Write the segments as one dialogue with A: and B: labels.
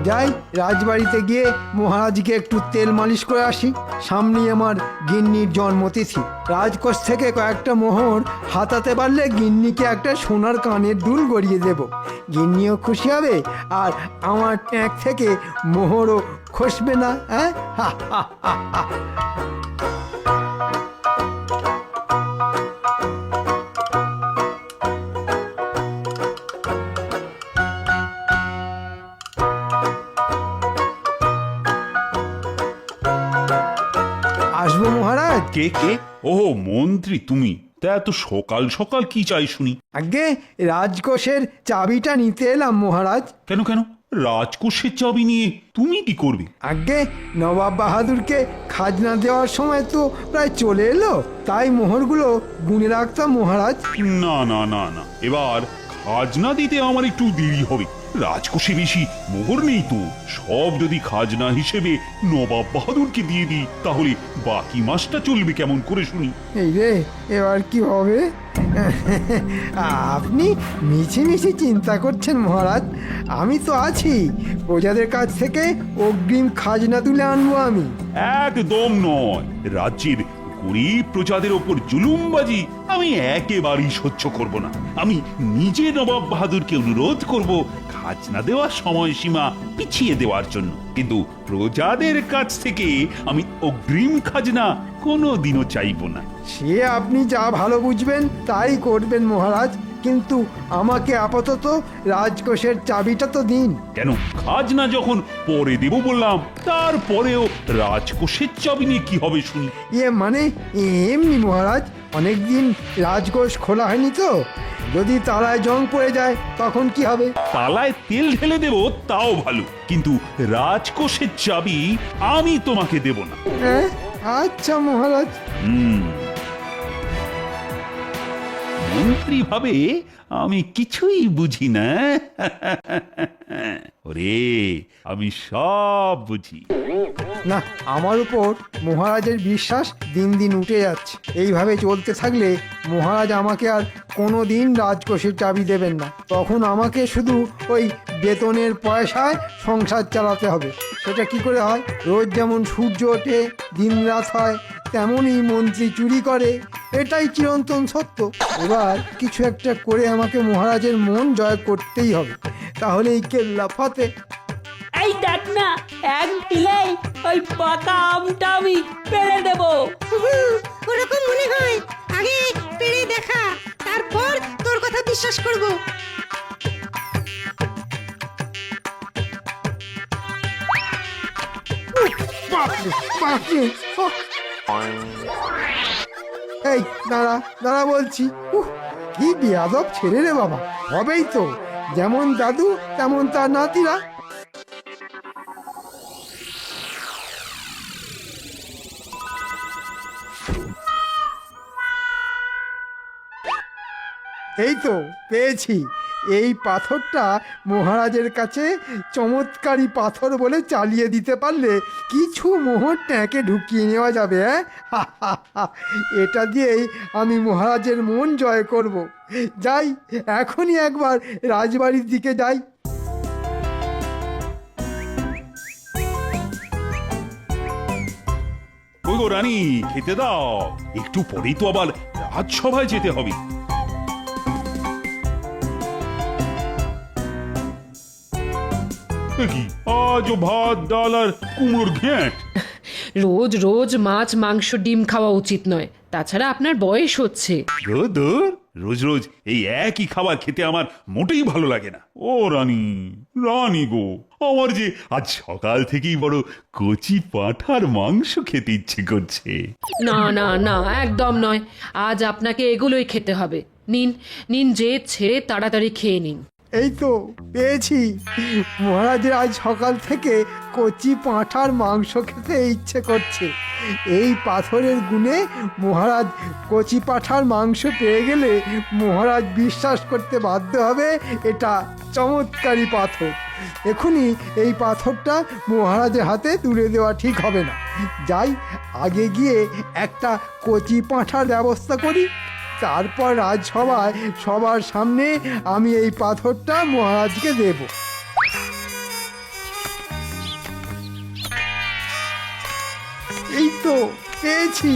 A: যাই রাজবাড়িতে গিয়ে মহারাজকে একটু তেল মালিশ করে আসি। সামনেই আমার গিন্নির জন্মতিথি। রাজকোষ থেকে কয়েকটা মোহর হাতাতে পারলে গিন্নিকে একটা সোনার কানের দুল গড়িয়ে দেব। গিন্নিও খুশি হবে আর আমার ট্যাঁক থেকে মোহরও খসবে না। হ্যাঁ, হা হা হা হা। আসবো মহারাজ?
B: কে কে? ও মন্ত্রী তুমি? তা এত সকাল সকাল কি চাই শুনি?
A: আগে রাজকোষের চাবিটা নিতে এলাম মহারাজ।
B: কেন কেন? রাজকোষের চাবি নিয়ে তুমি কি করবে?
A: আগে নবাব বাহাদুরকে খাজনা দেওয়ার সময় তো প্রায় চলে এলো, তাই মোহরগুলো গুনে রাখতাম মহারাজ।
B: না না না না, এবার খাজনা দিতে আমার একটু দেরি হবে। রাজকোষে বেশি মোহর নেই তো। সব যদি খাজনা হিসেবে নবাব বাহাদুরকে দিয়ে দিই, তাহলে বাকি মাসটা চলবে কেমন করে শুনি?
A: এই রে, এবার কি হবে? আপনি মিছি মিছি চিন্তা করছেন মহারাজ, আমি তো আছি। প্রজাদের কাছ থেকে অগ্রিম খাজনা তুলে আনবো আমি।
B: একদম নয়। রাজ্যের গরিব প্রজাদের ওপর জুলুমবাজি আমি একেবারেই সহ্য করব না। আমি নিজে নবাব বাহাদুরকে অনুরোধ করব খাজনা দেওয়ার সময়সীমা পিছিয়ে দেওয়ার জন্য, কিন্তু প্রজাদের কাছ থেকে আমি অগ্রিম খাজনা কোনোদিনও চাইব না।
A: সে আপনি যা ভালো বুঝবেন তাই করবেন মহারাজ, কিন্তু আমাকে আপাতত রাজকোষের চাবিটা তো দিন।
B: কেন? খাজনা যখন পরে দেব বললাম, তারপরেও রাজকোষের চাবি নিয়ে কি হবে শুনি?
A: মানে এমনি মহারাজ, অনেকদিন রাজকোষ খোলা হয়নি তো, যদি তালায় জং পড়ে যায় তখন কি হবে?
B: তালায় তেল ঢেলে দেব তাও ভালো, কিন্তু রাজকোষের চাবি আমি তোমাকে দেব না।
A: হ্যাঁ, আচ্ছা মহারাজ।
B: মন্ত্রী ভাবে আমি কিছুই বুঝি না। ওরে, আমি সব বুঝি।
A: না, আমার উপর মহারাজের বিশ্বাস দিন দিন উঠে যাচ্ছে। এইভাবে চলতে থাকলে মহারাজ আমাকে আর কোনো দিন রাজকোষের চাবি দেবেন না। তখন আমাকে শুধু ওই বেতনের পয়সায় সংসার চালাতে হবে। সেটা কি করে হয়? রোজ যেমন সূর্য ওঠে দিন রাত হয়, তেমনই মন্ত্রী চুরি করে, এটাই চিরন্তন সত্য। এবার কিছু একটা করে আমাকে মহারাজের মন জয় করতেই হবে, তাহলেই কেল্লা ফতে।
C: এই দেখ না, এক ঢিলেই ওই পাকা আমটা আমি পেড়ে দেবো।
D: ওরকম মনে হয়, আগে পেড়ে দেখা, তারপর তোর কথা বিশ্বাস করব।
A: বাপরে, বাপরে! এই দাঁড়া দাঁড়া বলছি। কি বেয়াদব ছেলে রে বাবা! হবেই তো, যেমন দাদু তেমন তার নাতিরা। এই তো পেয়েছি। এই পাথরটা মহারাজের কাছে চমৎকারী পাথর বলে চালিয়ে দিতে পারলে কিছু মোহর ট্যাঁকে ঢুকিয়ে নেওয়া যাবে। এটা দিয়েই আমি মহারাজের মন জয় করব। যাই, এখনই একবার রাজবাড়ির দিকে যাই।
B: ওই গো রানী, খেতে দাও। একটু পরেই তো আবার রাজসভায় যেতে হবে। কি আজও ভাত ডাল আর কুমড়োর ঘ্যাঁট?
E: রোজ রোজ মাছ মাংস ডিম খাওয়া উচিত নয়, তাছাড়া আপনার বয়স হচ্ছে।
B: রোজ রোজ এই একই খাবার খেতে আমার মোটেই ভালো লাগে না। ও রানী, রানী গো, আমার যে আজ সকাল থেকেই বড় কচি পাঁঠার মাংস খেতে ইচ্ছে করছে।
E: না না না, একদম নয়। আজ আপনাকে এগুলোই খেতে হবে। নিন নিন, জেদ ছেড়ে তাড়াতাড়ি খেয়ে নিন।
A: এই তো পেয়েছি। মহারাজের আজ সকাল থেকে কচি পাঁঠার মাংস খেতে ইচ্ছে করছে। এই পাথরের গুণে মহারাজ কচি পাঁঠার মাংস পেয়ে গেলে মহারাজ বিশ্বাস করতে বাধ্য হবে এটা চমৎকারী পাথর। এখনই এই পাথরটা মহারাজের হাতে তুলে দেওয়া ঠিক হবে না। যাই, আগে গিয়ে একটা কচি পাঁঠার ব্যবস্থা করি, তারপর রাজসভায় সবার সামনে আমি এই পাথরটা মহারাজকে দেব। তো পেয়েছি।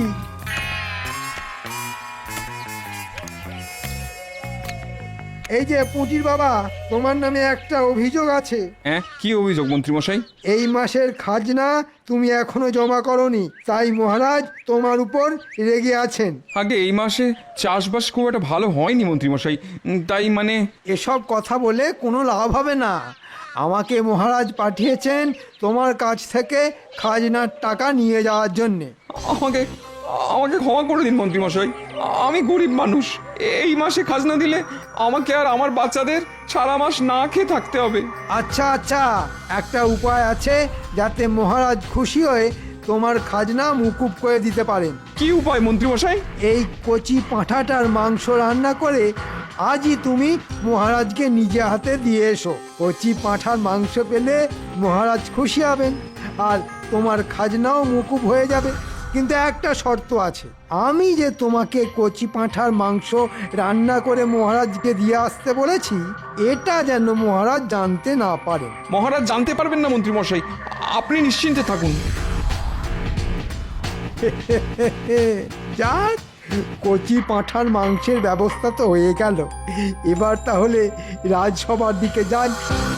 A: এই যে পুঁটির বাবা, তোমার নামে একটা অভিযোগ আছে।
F: হ্যাঁ, কি অভিযোগ মন্ত্রীমশাই?
A: এই মাসের খাজনা তুমি এখনো জমা করনি, তাই মহারাজ তোমার উপর রেগে আছেন।
F: আগে এই মাসে চাষবাস খুব একটা ভালো হয়নি মন্ত্রীমশাই, তাই মানে
A: এসব কথা বলে কোনো লাভ হবে না। আমাকে মহারাজ পাঠিয়েছেন তোমার কাছ থেকে খাজনার টাকা নিয়ে যাওয়ার জন্যে।
F: আমাকে আমাকে ক্ষমা করে দিন মন্ত্রীমশাই, আমি গরিব মানুষ। এই মাসে খাজনা দিলে আমাকে আর আমার বাচ্চাদের সারা মাস না খেয়ে থাকতে হবে।
A: আচ্ছা আচ্ছা, একটা উপায় আছে যাতে মহারাজ খুশি হয়ে তোমার খাজনা মুকুব করে দিতে পারেন।
F: কি উপায় মন্ত্রীমশাই?
A: এই কচি পাঁঠাটার মাংস রান্না করে আজই তুমি মহারাজকে নিজে হাতে দিয়ে এসো। কচি পাঁঠার মাংস পেলে মহারাজ খুশি হবেন আর তোমার খাজনাও মুকুব হয়ে যাবে। কিন্তু একটা শর্ত আছে, আমি যে তোমাকে কচি পাঁঠার মাংস রান্না করে মহারাজকে দিয়ে আসতে বলেছি, এটা যেন মহারাজ জানতে না পারেন।
F: মহারাজ জানতে পারবেন না মন্ত্রীমশাই, আপনি নিশ্চিন্তে থাকুন।
A: যাক, কচি পাঁঠার মাংসের ব্যবস্থা তো হয়ে গেল। এবার তাহলে রাজসভার দিকে যান।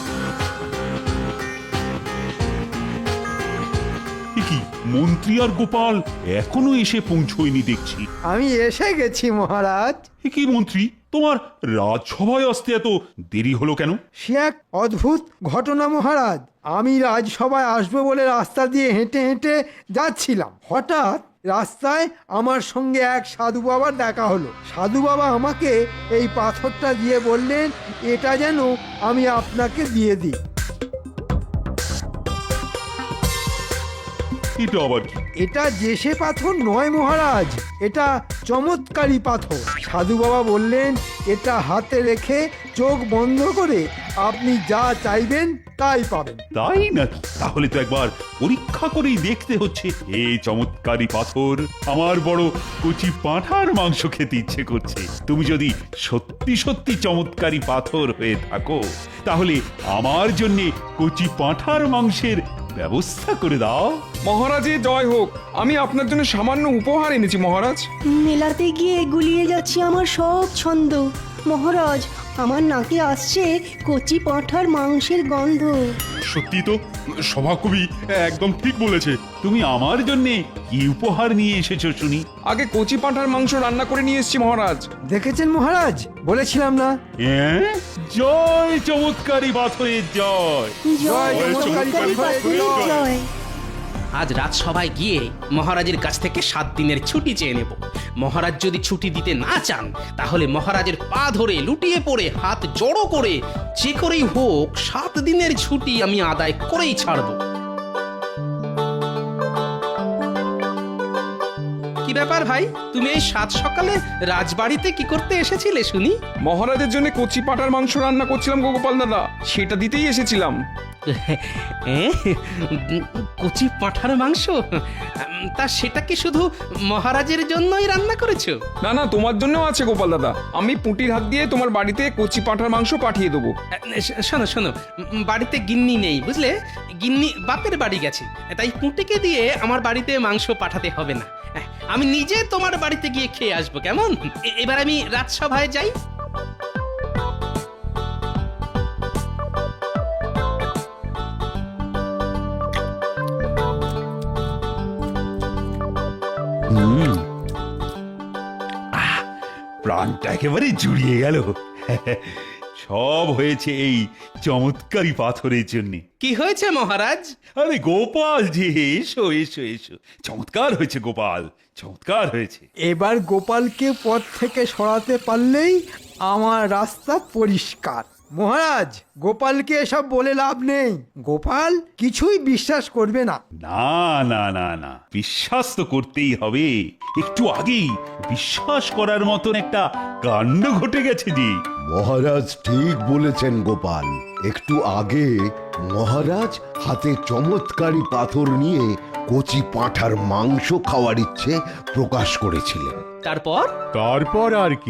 B: কি মন্ত্রী আর গোপাল এখনো এসে পৌঁছয়নি দেখছি।
A: আমি এসে গেছি মহারাজ।
B: কি মন্ত্রী, তোমার রাজসভায় আসতে এত দেরি হলো কেন?
A: সে এক অদ্ভুত ঘটনা মহারাজ। আমি রাজসভায় আসবো বলে রাস্তা দিয়ে হেঁটে হেঁটে যাচ্ছিলাম, হঠাৎ রাস্তায় আমার সঙ্গে এক সাধু বাবার দেখা হলো। সাধু বাবা আমাকে এই পাথরটা দিয়ে বললেন, এটা যেন আমি আপনাকে দিয়ে দিই।
B: এটা আবার কি?
A: এটা যেসে পাথর নয় মহারাজ, এটা চমৎকারী পাথর। সাধু বাবা বললেন, এটা হাতে রেখে চোখ বন্ধ করে আপনি যা চাইবেন তাই পাবেন।
B: তাই নাকি? তাহলে তো একবার পরীক্ষা করেই দেখতে হচ্ছে। এই চমৎকারী পাথর, আমার বড় কচি পাঁঠার মাংস খেতে ইচ্ছে করছে। তুমি যদি সত্যি সত্যি চমৎকারী পাথর হয়ে থাকো, তাহলে আমার জন্যে কচি পাঁঠার মাংসের ব্যবস্থা করে দাও।
F: মহারাজের জয় হোক, আমি আপনার জন্য সামান্য উপহার এনেছি মহারাজ।
G: মেলাতে গিয়ে গুলিয়ে যাচ্ছে আমার সব ছন্দ। মহারাজ, আমার নাকে আসছে কচি পাঁঠার মাংসের গন্ধ।
B: সত্যি তো, সভাকবি একদম ঠিক বলেছে। তুমি আমার জন্যে কি উপহার নিয়ে এসেছো শুনি?
F: আগে কচি পাঁঠার মাংস রান্না করে নিয়ে এসেছি মহারাজ।
A: দেখেছেন মহারাজ, বলেছিলাম না?
B: হ্যাঁ, জয় চমৎকারী পাথরের জয়।
A: জয়
G: চমৎকারী পাথরের জয়।
H: আজ রাজসভায় গিয়ে মহারাজের কাছ থেকে 7 দিনের ছুটি চেয়ে নেব। মহারাজ যদি ছুটি দিতে না চান, তাহলে মহারাজের পা ধরে লুটিয়ে পড়ে হাত জড়ো করে যে করেই হোক 7 দিনের ছুটি আমি আদায় করেই ছাড়ব। কি ব্যাপার ভাই, তুমি এই 7 সকালে রাজবাড়িতে কি করতে এসেছিলে শুনি?
F: মহারাজের জন্য কচি পাঁঠার মাংস রান্না করছিলাম গোপাল দাদা, সেটা দিতেই এসেছিলাম।
H: কচি পাঁঠার মাংস? তা সেটা কি শুধু মহারাজের জন্যই রান্না করেছো?
F: না না, তোমার জন্যও আছে গোপাল দাদা। আমি পুঁটির হাত দিয়ে তোমার বাড়িতে কচি পাঁঠার মাংস পাঠিয়ে দেবো।
H: শোনো শোনো, বাড়িতে গিন্নি নেই বুঝলে, গিন্নি বাপের বাড়ি গেছে, তাই পুঁটিকে দিয়ে আমার বাড়িতে মাংস পাঠাতে হবে না। আমি নিজে তোমার বাড়িতে গিয়ে খেয়ে আসবো, কেমন? এবার আমি রাজসভায় যাই।
B: প্রাণটা একেবারে জুড়িয়ে গেল। সব হয়েছে এই চমৎকারী পাথরের জন্য।
H: কি হয়েছে মহারাজ?
B: আরে গোপাল যে, এসো এসো এসো। চমৎকার হয়েছে গোপাল, চমৎকার হয়েছে।
A: এবার গোপালকে পথ থেকে সরাতে পারলেই আমার রাস্তা পরিষ্কার। মহারাজ, গোপালকে এসব বলে লাভ নেই। গোপাল কিছুই বিশ্বাস করবে না।
B: না না না না, বিশ্বাস তো করতেই হবে। একটু আগেই বিশ্বাস করার মতন একটা কাণ্ড ঘটে গেছে যে।
I: মহারাজ ঠিক বলেছেন গোপাল। একটু আগে মহারাজ হাতে চমৎকারী পাথর নিয়ে কচি পাঁঠার মাংস খাওয়ার ইচ্ছে প্রকাশ করেছিলেন।
H: তারপর?
J: তারপর আর কি,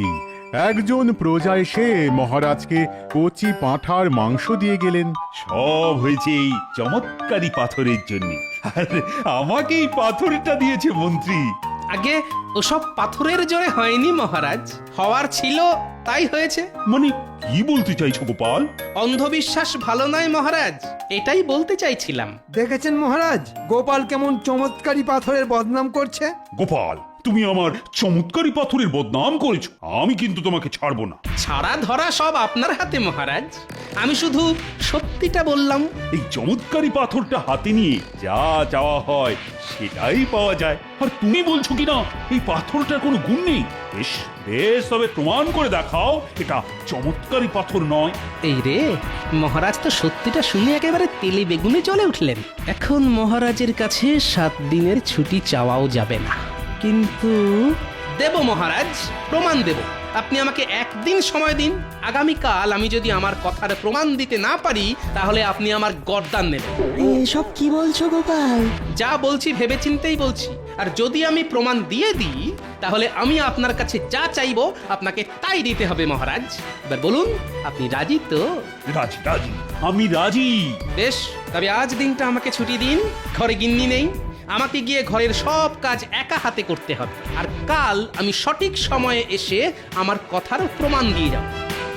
J: একজন প্রজা এসে মহারাজকে কচি পাঁঠার মাংস দিয়ে গেলেন।
B: সব হয়েছে এই চমৎকারী পাথরের জন্য। আর আমাকেই পাথরটা দিয়েছে মন্ত্রী।
H: আগে ওসব পাথরের জোরে হয়নি মহারাজ, হওয়ার ছিল তাই হয়েছে।
B: মানে কি বলতে চাইছো গোপাল?
H: অন্ধবিশ্বাস ভালো নয় মহারাজ, এটাই বলতে চাইছিলাম।
A: দেখেছেন মহারাজ, গোপাল কেমন চমৎকারী পাথরের বদনাম করছে।
B: গোপাল, তুমি আমার চমৎকারী পাথরের বদনাম করেছো, আমি কিন্তু তোমাকে ছাড়বো না।
H: ছাড়া ধরা সব আপনার হাতে মহারাজ, আমি শুধু সত্যিটা বললাম।
B: এই চমৎকারী পাথরটা হাতে নিয়ে যা চাওয়া হয় সেটাই পাওয়া যায়। আর তুমি বলছো কিনা এই পাথরটার কোনো গুণ নেই। বেশ বেশ, তবে প্রমাণ করে দেখাও এটা চমৎকারী পাথর নয়।
H: এই রে, মহারাজ তো সত্যিটা শুনে একেবারে তেলে বেগুনে জ্বলে উঠলেন। এখন মহারাজের কাছে 7 দিনের ছুটি চাওয়াও যাবে না, কিন্তু দেব মহারাজ, প্রমাণ দেব। আপনি আমাকে 1 দিন সময় দিন। আগামীকাল আমি যদি আমার কথার প্রমাণ দিতে না পারি তাহলে আপনি আমার গর্দান নেবেন।
G: এসব কি বলছো গোপাল?
H: যা বলছি ভেবেচিন্তেই বলছি। আর যদি আমি প্রমাণ দিয়ে দিই তাহলে আমি আপনার কাছে যা চাইবো আপনাকে তাই দিতে হবে মহারাজ। এবার বলুন, আপনি রাজি তো?
B: রাজি রাজি, আমি রাজি।
H: বেশ, তবে আজ দিনটা আমাকে ছুটি দিন। ঘরে গিন্নি নেই, আমাকে গিয়ে ঘরের সব কাজ একা হাতে করতে হবে। আর কাল আমি সঠিক সময়ে এসে আমার কথার প্রমাণ দিয়ে যাব।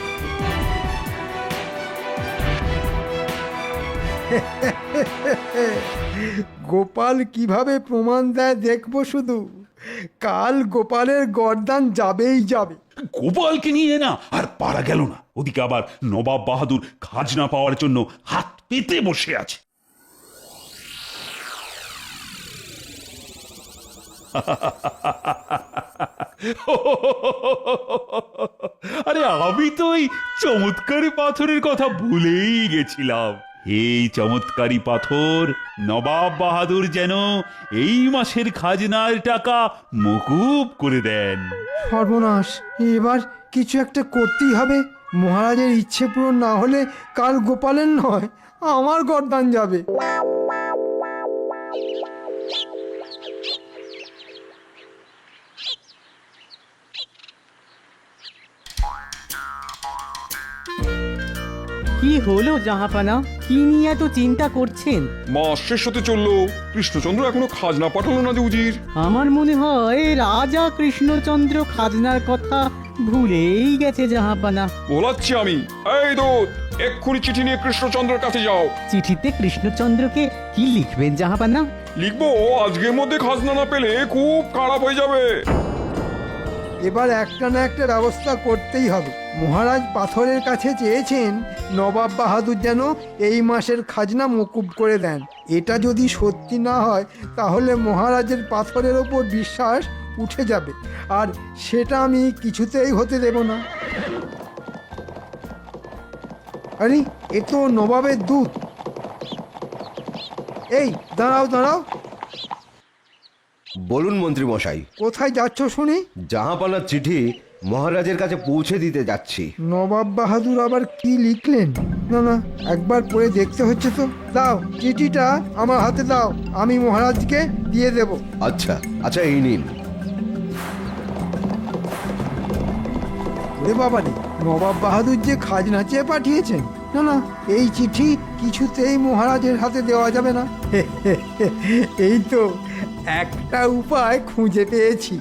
A: গোপাল কিভাবে প্রমাণ দেয় দেখবো শুধু। কাল গোপালের গর্দান যাবেই যাবে।
B: গোপালকে নিয়ে না আর পারা গেল না। ওদিকে আবার নবাব বাহাদুর খাজনা পাওয়ার জন্য হাত পেতে বসে আছে। আরে আমি তো এই চমৎকারী পাথরের কথা ভুলেই গেছিলাম। এই চমৎকারী পাথর নবাব বাহাদুর যেন এই মাসের খাজনার টাকা মকুব করে দেন।
A: সর্বনাশ, এবার কিছু একটা করতেই হবে। মহারাজের ইচ্ছে পূরণ না হলে কাল গোপালের নয়, আমার গর্দান যাবে।
K: কি হলো জাহাপানা? কি নিয়ে এত চিন্তা করছেন?
F: মাস শেষ হতে চললো, কৃষ্ণচন্দ্র এখনো খাজনা পাঠালো না যে উজির।
K: আমার মনে হয় রাজা কৃষ্ণচন্দ্র খাজনার কথা ভুলেই গেছে জাহাপানা।
F: বলাচ্ছি আমি। এই দূত, এক্ষুনি চিঠি নিয়ে কৃষ্ণচন্দ্রের কাছে যাও।
K: চিঠিতে কৃষ্ণচন্দ্রকে কি লিখবেন জাহাপানা?
F: লিখবো, আজকের মধ্যে খাজনা না পেলে খুব খারাপ হয়ে যাবে।
A: এবার একটা না একটা ব্যবস্থা করতেই হবে। মহারাজ পাথরের কাছে চেয়েছেন নবাব বাহাদুর যেন এই মাসের খাজনা মকুব করে দেন। এটা যদি সত্যি না হয় তাহলে মহারাজের পাথরের ওপর বিশ্বাস উঠে যাবে, আর সেটা আমি কিছুতেই হতে দেব না। আরে, এ তো নবাবের দূত। এই দাঁড়াও দাঁড়াও।
I: বলুন মন্ত্রী মশাই।
A: কোথায় যাচ্ছ শুনি?
I: জাহাপানার চিঠি মহারাজের কাছে পৌঁছে দিতে যাচ্ছি।
A: নবাব বাহাদুর আবার কি লিখলেন? না না, একবার পড়ে দেখতে হচ্ছে তো। দাও, চিঠিটা আমার হাতে দাও, আমি মহারাজকে দিয়ে দেব।
I: আচ্ছা আচ্ছা, এই নিন।
A: ওরে বাবা রে, নবাব বাহাদুর যে খাজনা চেয়ে পাঠিয়েছেন। না না, এই চিঠি কিছুতেই মহারাজের হাতে দেওয়া যাবে না। এই তো একটা উপায় খুঁজে পেয়েছি।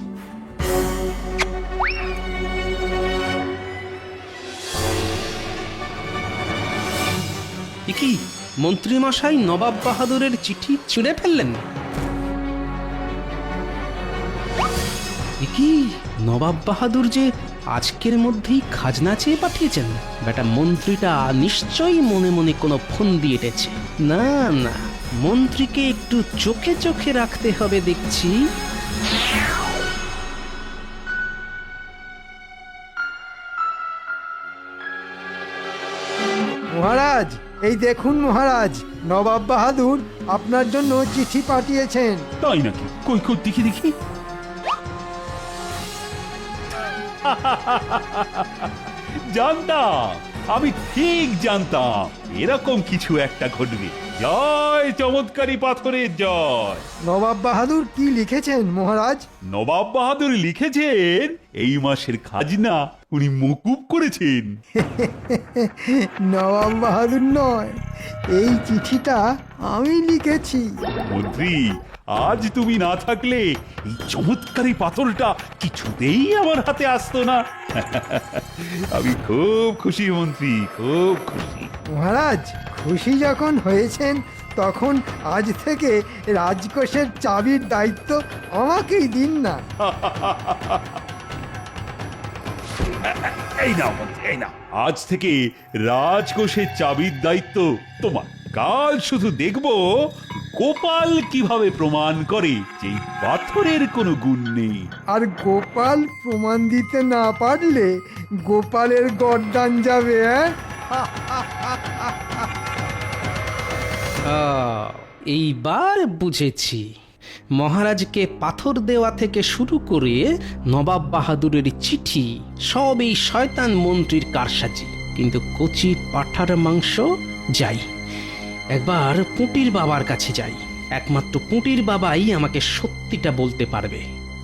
H: কি মন্ত্রী মশাই নবাব বাহাদুরের চিঠি ছিঁড়ে ফেললেন? কি নবাব বাহাদুর যে আজকের মধ্যেই খাজনা চেয়ে পাঠিয়েছেন? বেটা মন্ত্রীটা নিশ্চয়ই মনে মনে কোনো ফন্দি এঁটেছে। না না, মন্ত্রীকে একটু চোখে চোখে রাখতে হবে দেখছি।
A: মহারাজ, এই দেখুন মহারাজ, নবাব বাহাদুর আপনার জন্য চিঠি পাঠিয়েছেন।
B: তাই নাকি? কই কই দেখি দেখি। জানতাম আমি ঠিক জানতাম এরকম কিছু একটা ঘটবে। জয় চমৎকারী পাথরের জয়।
A: নবাব বাহাদুর কি লিখেছেন মহারাজ?
B: নবাব বাহাদুর লিখেছেন এই মাসের খাজনা উনি মকুব করেছেন।
A: নবাব বাহাদুর নয়, এই চিঠিটা আমি লিখেছি।
B: মন্ত্রী, আজ তুমি না থাকলে এই চমৎকারী পাথরটা কিছুতেই আমার হাতে আসতো না। আমি খুব খুশি মন্ত্রী, খুব খুশি।
A: মহারাজ খুশি যখন হয়েছেন তখন আজ থেকে রাজকোষের চাবির দায়িত্ব আমাকেই দিন না।
B: এই নাও মন্ত্রী, এই নাও। আজ থেকে রাজকোষের চাবির দায়িত্ব তোমার। কাল শুধু দেখবো গোপাল কিভাবে প্রমাণ করে যে এই পাথরের কোনো গুণ নেই।
A: আর গোপাল প্রমাণ দিতে না পারলে গোপালের গর্দান যাবে।
H: এইবার বুঝেছি মহারাজকে পাথর দেওয়া থেকে শুরু করে নবাব বাহাদুরের চিঠি সব এই শয়তান মন্ত্রীর কারসাজি। কিন্তু কচি পাঁঠার মাংস যাই, একবার পুঁটির বাবার কাছে যাই। একমাত্র পুঁটির বাবাই আমাকে সত্যিটা বলতে পারবে।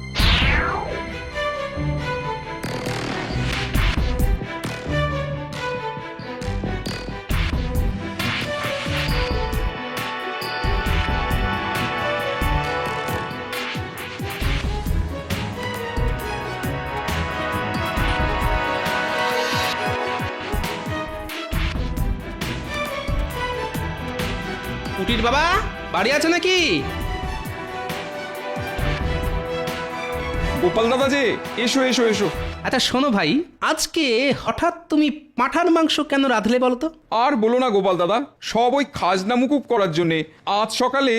H: পুটির বাবা বাড়ি আছে নাকি?
F: গোপাল দাদা যে, এসো এসো এসো।
H: আচ্ছা শোনো ভাই, আজকে হঠাৎ তুমি পাঁঠার মাংস কেন রাঁধলে বলো তো?
F: আর বলো না গোপাল দাদা, সব ওই খাজনা মুকুব করার জন্যে। আজ সকালে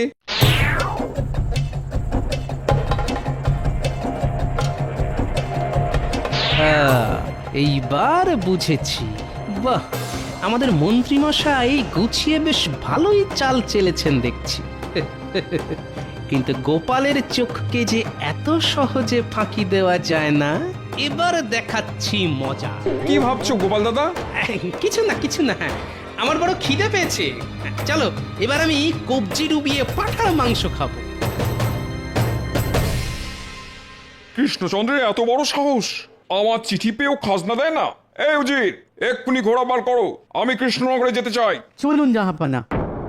H: এইবার বুঝেছি। বাহ, আমাদের মন্ত্রীমশাই গুছিয়ে বেশ ভালোই চাল চেলেছেন দেখছি। কিন্তু গোপালের চোখকে যে এত সহজে ফাঁকি দেওয়া যায় না, এবার দেখাচ্ছি মজা।
F: কি ভাবছো গোপাল দাদা?
H: কিছু না কিছু না, আমার বড় খিদে পেয়েছে। চলো এবার আমি কবজি ডুবিয়ে পাঁঠার মাংস খাবো।
F: কৃষ্ণচন্দ্রের এত বড় সাহস, আমার চিঠি পেয়েও খাজনা দেয় না। এই উজির, এক্ষুনি ঘোড়া বার করো, আমি কৃষ্ণনগরে যেতে চাই।
K: চলুন জাহাপানা।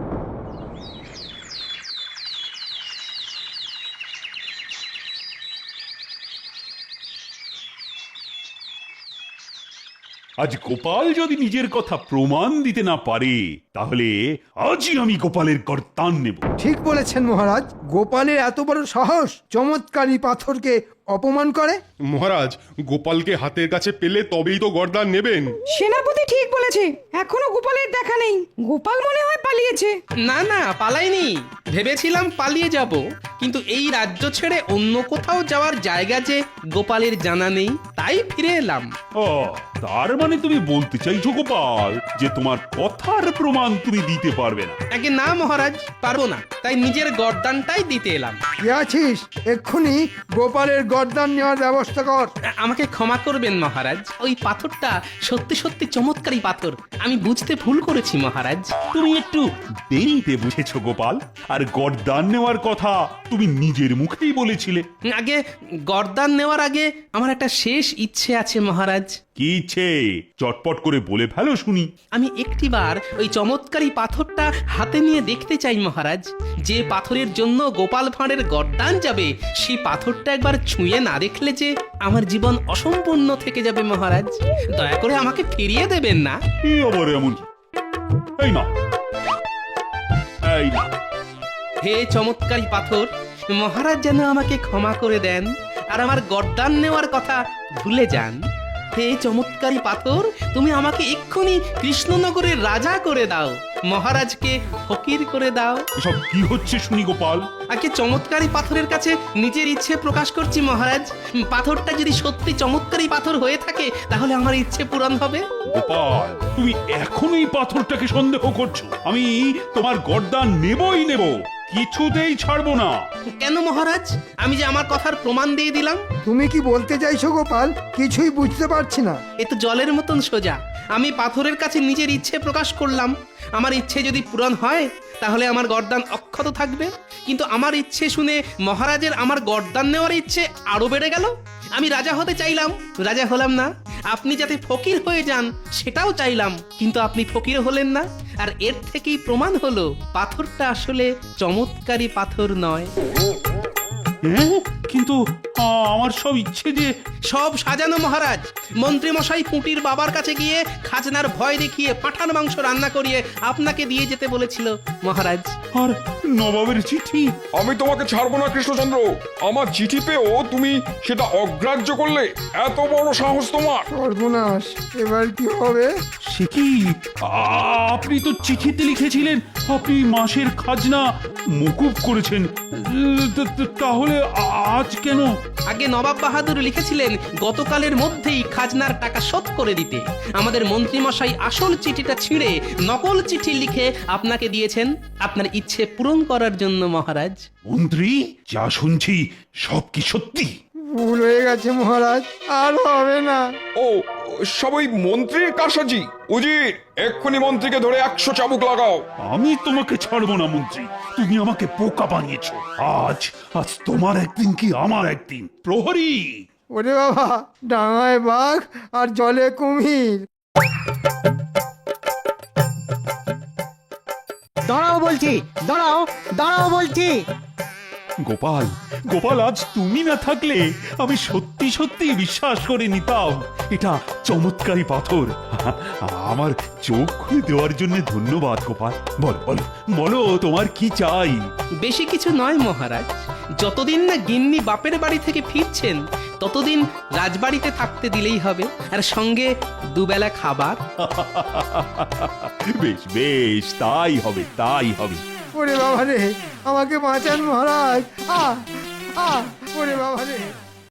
B: আজ গোপাল যদি নিজের কথা প্রমাণ দিতে না পারে তাহলে আজই আমি গোপালের গর্দান নেব।
A: ঠিক বলেছেন মহারাজ, গোপালের এত বড় সাহস চমৎকারী পাথরকে অপমান করে।
J: মহারাজ, গোপালকে হাতের কাছে পেলে তবেই তো গর্দান নেবেন।
D: সেনাপতি ঠিক বলেছে, এখনো গোপালের দেখা নেই। গোপাল মনে হয় পালিয়েছে।
H: না না, পালাইনি। ভেবেছিলাম পালিয়ে যাব, কিন্তু এই রাজ্য ছেড়ে অন্য কোথাও যাওয়ার জায়গা যে গোপালের জানা নেই, তাই ফিরে এলাম।
B: ও, তার মানে তুমি বলতে চাইছো গোপাল যে তোমার কথার প্রমাণ তুমি দিতে পারবে না?
H: আগে না মহারাজ, পারবো না, তাই নিজের গর্দানটাই দিতে এলাম।
A: কি আছিস, এক্ষুনি গোপালের গর্দান নেওয়ার ব্যবস্থা কর।
H: আমাকে ক্ষমা করবেন মহারাজ, ওই পাথরটা সত্যি সত্যি চমৎকারী পাথর, আমি বুঝতে ভুল করেছি মহারাজ।
B: তুমি একটু দেরিতে বুঝেছো গোপাল, আর গর্দান নেওয়ার কথা তুমি নিজের মুখেই বলেছিলে।
H: আগে গর্দান নেওয়ার আগে আমার একটা শেষ ইচ্ছে আছে মহারাজ।
B: কি ইচ্ছে? চটপট করে বলে ফেলো শুনি।
H: আমি একটিবার ওই চমৎকারী পাথরটা হাতে নিয়ে দেখতে চাই মহারাজ। যে পাথরের জন্য গোপাল ভাঁড়ের গর্দান যাবে, সেই পাথরটা একবার ছুঁয়ে না দেখলে যে আমার জীবন অসম্পূর্ণ থেকে যাবে মহারাজ। দয়া করে আমাকে ফিরিয়ে দেবেন না।
B: কি আবার এমন? এই না, এই না।
H: হে চমৎকারী পাথর, মহারাজ যেন আমাকে ক্ষমা করে দেন আর আমার গর্দান নেওয়ার কথা ভুলে যান। হে চমৎকারী পাথর, তুমি আমাকে এক্ষুনি কৃষ্ণনগরের রাজা করে দাও, মহারাজকে ফকির করে দাও।
B: এসব কি হচ্ছে শুনি গোপাল?
H: আগে চমৎকারী পাথরের কাছে নিজের ইচ্ছে প্রকাশ করছি মহারাজ। পাথরটা যদি সত্যি চমৎকারী পাথর হয়ে থাকে তাহলে আমার ইচ্ছে পূরণ হবে।
B: গোপাল, তুমি এখনো এই পাথরটাকে সন্দেহ করছো? আমি তোমার গর্দান নেবই নেব, কিছুতেই ছাড়বো না।
H: কেন মহারাজ? আমি যে আমার কথার প্রমাণ দিয়ে দিলাম।
A: তুমি কি বলতে চাইছো গোপাল? কিছুই বুঝতে পারছি না।
H: এ তো জলের মতন সোজা। আমি পাথরের কাছে নিজের ইচ্ছে প্রকাশ করলাম। আমার ইচ্ছে যদি পূরণ হয় তাহলে আমার গর্দান অক্ষত থাকবে, কিন্তু আমার ইচ্ছে শুনে মহারাজের আমার গর্দান নেওয়ার ইচ্ছে আরো বেড়ে গেল। আমি রাজা হতে চাইলাম, রাজা হলাম না। আপনি যাতে ফকির হয়ে যান সেটাও চাইলাম, কিন্তু আপনি ফকির হলেন না। আর এর থেকেই প্রমাণ হলো পাথরটা আসলে চমৎকারী পাথর নয়।
B: হ্যাঁ? কিন্তু আমার সব ইচ্ছে যে
H: সব সাজানো মহারাজ। মন্ত্রী মশাই পুঁটির বাবার কাছে গিয়ে খাজনার ভয় দেখিয়ে পাঁঠার মাংস রান্না করিয়ে আপনাকে দিয়ে যেতে বলেছিল মহারাজ।
B: আর নবাবের চিঠি।
F: আমি তোমাকে ছাড়বো না কৃষ্ণচন্দ্র। আমার চিঠি পেয়েও তুমি সেটা অগ্রাহ্য করলে, এত বড় সাহস তোমার!
A: সর্বনাশ, এবার কি হবে?
B: সে কি? আপনি তো চিঠিতে লিখেছিলেন আপনি মাসের খাজনা মকুব করেছেন। তাহলে আজ কেন?
H: আগে নবাব বাহাদুর লিখেছিলেন গতকালের মধ্যেই খাজনার টাকা শোধ করে দিতে। আমাদের মন্ত্রী মশাই আসল চিঠিটা ছিঁড়ে নকল চিঠি লিখে আপনাকে দিয়েছেন আপনার ইচ্ছে পূরণ করার জন্য মহারাজ।
B: মন্ত্রী, যা শুনছি সব কি সত্যি?
A: ভুল হয়ে গেছে মহারাজ, আর হবে না।
F: ও, সব ওই মন্ত্রীর কারসাজি। উজির, এক্ষুনি মন্ত্রীকে ধরে 100 চাবুক লাগাও।
B: আমি তোমাকে ছাড়বো না মন্ত্রী, তুমি আমাকে বোকা বানিয়েছো। আজ আজ তোমার একদিন কি আমার একদিন। প্রহরী!
A: ওরে বাবা, ডাঙায় বাঘ আর জলে কুমির।
K: দাঁড়াও বলছি, দাঁড়াও, দাঁড়াও বলছি।
B: গোপাল, গোপাল, আজ তুমি না থাকলে আমি সত্যি সত্যি বিশ্বাস করে নিতাম এটা চমৎকারী পাথর। আমার চোখ খুলে দেওয়ার জন্য ধন্যবাদ গোপাল। বলো বলো বলো, তোমার কি চাই?
H: বেশি কিছু নয় মহারাজ। যতদিন না গিন্নি বাপের বাড়ি থেকে ফিরছেন ততদিন রাজবাড়িতে থাকতে দিলেই হবে, আর সঙ্গে দুবেলা খাবার।
B: বেশ বেশ, তাই হবে তাই হবে।
A: ওরে বাবা রে, আমাকে বাঁচান মহারাজ। ওরে বাবা রে।